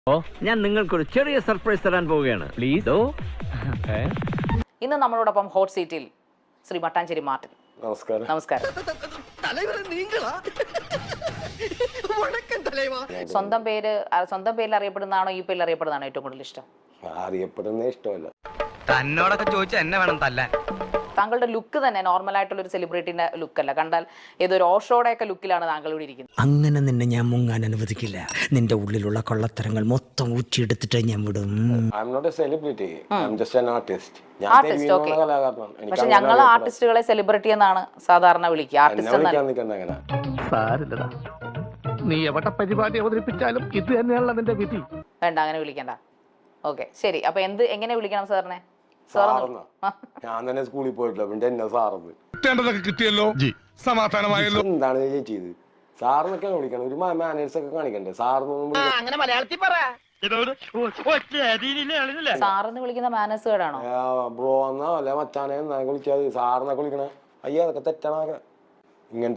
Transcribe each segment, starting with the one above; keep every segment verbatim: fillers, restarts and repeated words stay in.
ഞാൻ നിങ്ങൾക്കൊരു ചെറിയ സർപ്രൈസ് തരാൻ പോവുകയാണ്. പ്ലീസ്. ഇന്ന് നമ്മളോടൊപ്പം ഹോട്ട് സീറ്റിൽ ശ്രീ മട്ടാഞ്ചേരി മാർട്ടിൻ. നമസ്കാരം. നമസ്കാരം. സ്വന്തം പേര് സ്വന്തം പേരിൽ അറിയപ്പെടുന്നതാണോ ഈ പേരിൽ അറിയപ്പെടുന്നതാണോ ഏറ്റവും കൂടുതൽ ഇഷ്ടം? അറിയപ്പെടുന്ന ഇഷ്ടമല്ല. തന്നോടൊക്കെ ചോദിച്ചാൽ എന്നെ വേണം തല്ലാൻ. താങ്കളുടെ ലുക്ക് തന്നെ നോർമൽ ആയിട്ടുള്ള ഒരു സെലിബ്രിറ്റിന്റെ ലുക്കല്ല. കണ്ടാൽ ഏതൊരു ഓഷോയുടെ ഒക്കെ ലുക്കിലാണ് താങ്കൾ ഇവിടെ ഇരിക്കുന്നത്. അങ്ങനെ നിന്നെ ഞാൻ മുങ്ങാൻ അനുവദിക്കില്ല. നിന്റെ ഉള്ളിലുള്ള കൊള്ളത്തരങ്ങൾ മൊത്തം ഊറ്റിയെടുത്തിട്ട് ഞാൻ വിടും. I am not a celebrity. I am just an artist. ഞാൻ ആർട്ടിസ്റ്റ്. ഓക്കെ. പക്ഷെ ഞങ്ങൾ ആർട്ടിസ്റ്റുകളെ സെലിബ്രിറ്റി എന്നാണ് സാധാരണ വിളിക്കുക. ആർട്ടിസ്റ്റ് എന്നാണ്. സാരില്ലടാ, നീ എവിടെ പരിപാടി അവതരിപ്പിച്ചാലും ഇത് തന്നെയാണല്ലോ നിന്റെ വിധി. വേണ്ട, അങ്ങനെ വിളിക്കണ്ട. ഓക്കെ, ശരി. അപ്പൊ എന്ത് എങ്ങനെ വിളിക്കണം സാറിനെ? ഞാൻ തന്നെ സ്കൂളിൽ പോയിട്ടില്ല, പിന്നെ എന്നെ സാറന്ന് കിട്ടിയല്ലോ, സമാധാനമായല്ലോ. എന്താണ് ചെയ്ത് സാറിനൊക്കെ വിളിക്കണം. ഒരു മാനേഴ്സ് ഒക്കെ കാണിക്കണ്ടേ? സാറിനൊന്നും സാറിന് വിളിക്കുന്ന മാനേഴ്സ് കേടാണോ? ബ്രോ എന്നാ അല്ലെ മച്ചാനെ എന്നാ വിളിക്കാതെ സാറിനൊക്കെ വിളിക്കണേ. അയ്യോ, അതൊക്കെ തെറ്റാണൊക്കെ. ഇങ്ങനത്തെ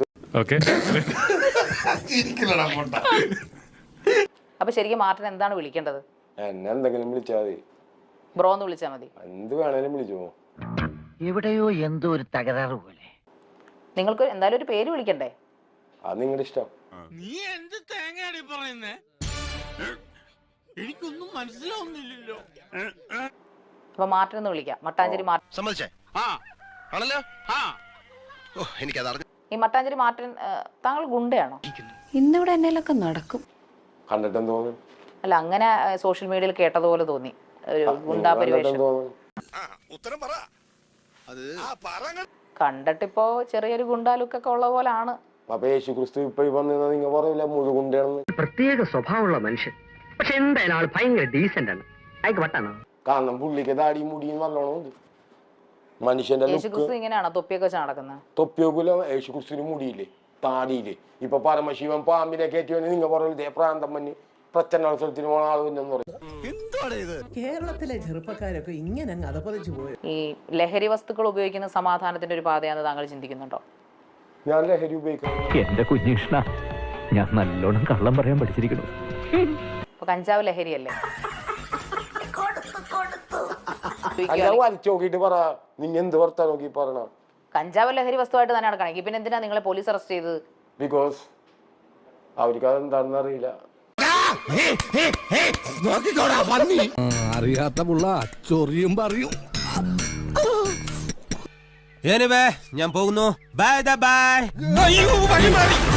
അപ്പൊ ശരിക്കും മാർട്ടിൻ എന്താണ് വിളിക്കേണ്ടത്? എന്നെ എന്തെങ്കിലും വിളിച്ചാൽ മതി. ബ്രോ എന്ന് വിളിച്ചാൽ മതി. എന്ത് വേണേലും വിളിച്ചോ. എവിടെയോ എന്തോ ഒരു തകരാറ് പോലെ. നിങ്ങൾക്ക് എന്തായാലും ഒരു പേര് വിളിക്കണ്ടേ? അത് നിങ്ങളുടെ ഇഷ്ടം. നീ എന്ത് തേങ്ങയാടി പറയുന്നേ? എനിക്കൊന്നും മനസ്സിലാവുന്നില്ലല്ലോ. അപ്പൊ മാർട്ടിൻ എന്ന് വിളിക്കാം. മട്ടാഞ്ചേരി മാർട്ടിൻ. സമ്മതിച്ചേ? ആ ആണല്ലോ. ആ ഓ എനിക്കത് ഈ മട്ടാഞ്ചേരി മാർട്ടിൻ താങ്കൾ ഗുണ്ടയാണോ? ഇന്നിവിടെ എന്നേലൊക്കെ നടക്കും. കണ്ടിട്ടെന്ന് തോന്നുന്നു. അല്ല, അങ്ങനെ സോഷ്യൽ മീഡിയയിൽ കേട്ടതുപോലെ തോന്നി. ഒരു ഗുണ്ടാ പരിവേഷം. ഉത്തരം പറ. അത് കണ്ടിട്ടിപ്പോ ചെറിയൊരു ഗുണ്ടാ ലുക്കൊക്കെ ഉള്ള പോലാണ്. അപ്പൊ യേശു ക്രിസ്തു ഇപ്പൊ വന്നിരുന്ന നിങ്ങൾ പറയില്ല മുഴുകുണ്ടാണെന്ന്. പ്രത്യേക സ്വഭാവമുള്ള മനുഷ്യൻ. പക്ഷെ എന്തായാലും ആൾ ഭയങ്കര ഡീസന്റ് ആണ്. അയക്ക് പട്ടാണോ? കാരണം പുള്ളിക്ക് താടി മുടിയും നല്ലോണം മനുഷ്യന്റെ യേശു ക്രിസ്തു ഇങ്ങനെയാണോ തൊപ്പിയൊക്കെ വെച്ച് നടക്കുന്നത്? തൊപ്പിയോക്കില്ല. യേശു ക്രിസ്തുവിന് മുടിയില്ലേ, താടിയില്ലേ. ഇപ്പൊ പരമശിവൻ പാമ്പിനെ കയറ്റി വന്ന് നിങ്ങൾ പറയില്ലേ പ്രാന്തം മഞ്ഞ് പ്രച്ഛന്നോത്സവത്തിന് പോണ ആൾ പിന്നെന്ന് പറയും. കേരളത്തിലെ ചെറുപ്പക്കാരൊക്കെ ഇങ്ങനെ അങ്ങ് അതപ്പതിച്ചു പോയി. ഈ ലഹരി വസ്തുക്കൾ ഉപയോഗിക്കുന്ന സമാധാനത്തിന്റെ ഒരു പാതയാണെന്ന് താങ്കൾ ചിന്തിക്കുന്നുണ്ടോ? ഞാൻ ലഹരി ഉപയോഗിക്കുന്നു. എന്റെ കുഞ്ഞിഷ്ണ, ഞാൻ നല്ലോണം കള്ളം പറയാൻ പഠിച്ചിരിക്കുന്നു. അപ്പൊ കഞ്ചാവ് ലഹരിയല്ലേ? വലിച്ചു നോക്കിട്ട് പറ. നിന്നെ എന്ത് വർത്താ നോക്കി പറയണ? കഞ്ചാവ് ലഹരി വസ്തുവായിട്ട് തന്നെ നടക്കണം. പിന്നെ എന്തിനാ നിങ്ങളെ പോലീസ് അറസ്റ്റ് ചെയ്തത്? ബിക്കോസ് അവർക്ക് അതെന്താണെന്ന് അറിയില്ല. അറിയാത്ത പുള്ള ചൊറിയും പറയും. ഞാൻ പോകുന്നു. Bye by.